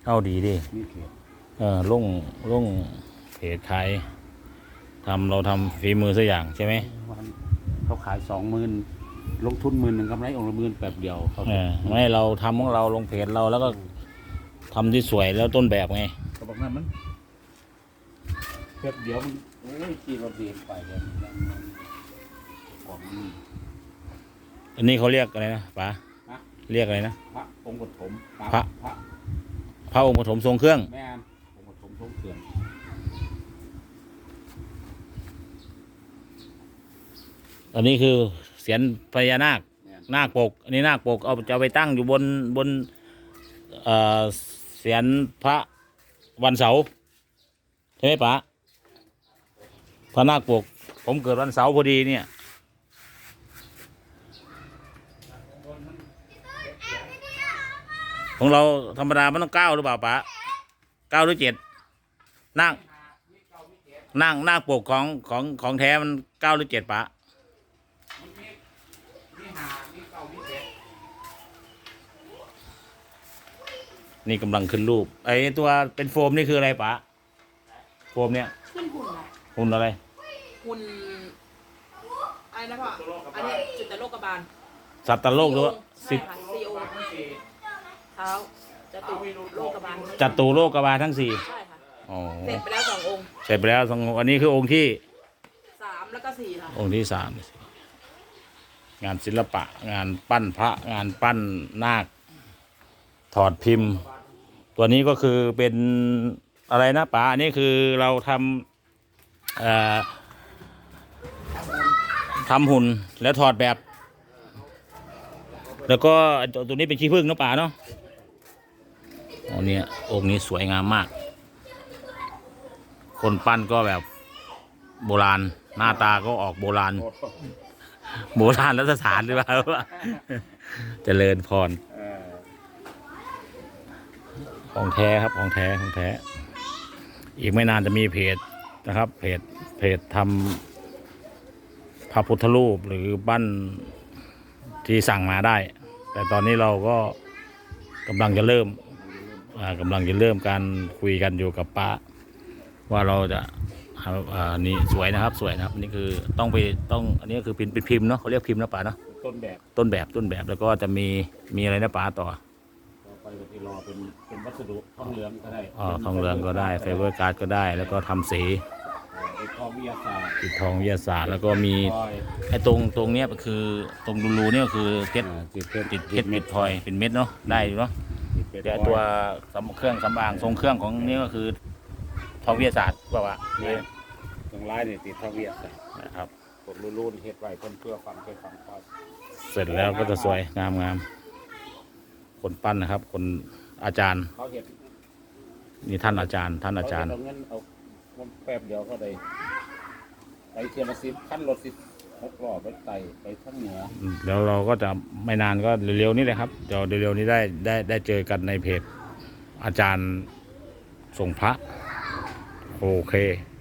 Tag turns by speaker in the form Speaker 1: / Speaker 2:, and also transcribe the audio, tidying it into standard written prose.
Speaker 1: เอาดีดิ
Speaker 2: มีเพจ
Speaker 1: ลงเพจขายเราทำฝีมือสักอย่างใช่ไหม
Speaker 2: วันเขาขาย20,000ลงทุน10,000กำไรองค์ละ10,000แบบเดียวเขา
Speaker 1: ไม่เราทำของเราลงเพจเราแล้วก็ทำที่สวยแล้วต้นแบบไง
Speaker 2: ก็บอกนั้นมันแบบเดียวมันโอ้ยขี่รถเดียนไปเลยของนี่
Speaker 1: อันนี้เขาเรียกอะไรนะป๋าเรียกอะไรนะ
Speaker 2: พระองค์ปฐม
Speaker 1: พระองค์ปฐมทรงเครื่อง
Speaker 2: แม่องค์ปฐมทรงเครื่อง
Speaker 1: อันนี้คือเสียนพญานาคนาคปกอันนี้นาคปกเอาจะไปตั้งอยู่บนเสียนพระวันเสาร์ใช่ไหมป๋าพระนาคปกผมเกิดวันเสาร์พอดีเนี่ยของเราธรรมดามันต้อง9หรือเปล่าป๋า9หรือ7นาคปกของแท้มัน9หรือ7ป๋านี่กำลังขึ้นรูปไอ้ตัวเป็นโฟมนี่คืออะไรป๋าโฟมเนี่ย
Speaker 3: ขึ้นหุ่นอะ
Speaker 1: หุ่นอะไร
Speaker 3: หุ่นอะไรนะพ่ออันนี้จุดแต่โลกบาล
Speaker 1: สัตว์โลกหรือว่า
Speaker 3: สิบซีโอเท้าจตุโลกบาล
Speaker 1: จัตุโลกบาลทั้ง4
Speaker 3: ใช่ค่ะ
Speaker 1: อ๋อ
Speaker 3: เสร็จไปแล้ว2 องค์
Speaker 1: เสร็จไปแล้ว2 องค์อันนี้คือองค์ที่
Speaker 3: 3แล้วก็4ค่ะ
Speaker 1: องค์ที่3งานศิลปะงานปั้นพระงานปั้นนาคถอดพิมพ์ตัวนี้ก็คือเป็นอะไรนะป๋าอันนี้คือเราทำหุ่นแล้วถอดแบบแล้วก็ตัวนี้เป็นขี้ผึ้งนะป๋าเนาะองค์นี้สวยงามมากคนปั้นก็แบบโบราณหน้าตาก็ออกโบราณรัฐสถานหรือเปล่าเจริญพรของแท้ครับของแท้อีกไม่นานจะมีเพจนะครับเพจทำพระพุทธรูปหรือปั้นที่สั่งมาได้แต่ตอนนี้เราก็กำลังจะเริ่มการคุยกันอยู่กับป้าว่าเราจะนี่สวยนะครับนี่คือต้องอันนี้คือเป็นพิมพ์เนาะเขาเรียกพิมพ์นะป้าเนาะต้นแบบแล้วก็จะมีอะไรนะป้าต่อ
Speaker 2: ไปที่รอเป็นวัสดุทองเหลืองก็ได้
Speaker 1: ทองเหลืองก็ได้ไฟเบอร์การ์ดก็ได้แล้วก็ทำสี
Speaker 2: ติดทองวิทยาศาสตร์
Speaker 1: แล้วก็มีไอ้ตรงเนี้ยคือตรงรูเนี่ยคือเพชรติดเพชรเม็ดพลอยเป็นเม็ดเนาะได้เนาะแต่ตัวเครื่องสำอางทรงเครื่องของนี้ก็คือทองวิทยาศาสตร์ป่าวะ
Speaker 2: ตรงลายเนี่ยติดทองวิทยาศาสตร์
Speaker 1: นะครับ
Speaker 2: ผมรุ่นเฮ็ดไว้เพื่อความความ
Speaker 1: เสร็จแล้วก็จะสวยงามคนปั้นนะครับคนอาจารย์
Speaker 2: เขาเห็น
Speaker 1: นี่ท่านอาจารย์
Speaker 2: เอาเงินเอาแป๊บเดียวเขาได้ไปเทียม10ขั้นรถ16 ล้อไปไต่ไปทั้งเหนือ
Speaker 1: แล้วเราก็จะไม่นานก็เร็วๆนี้เลยครับเดี๋ยวเร็วๆนี้ได้เจอกันในเพจอาจารย์ส่งพระโอเค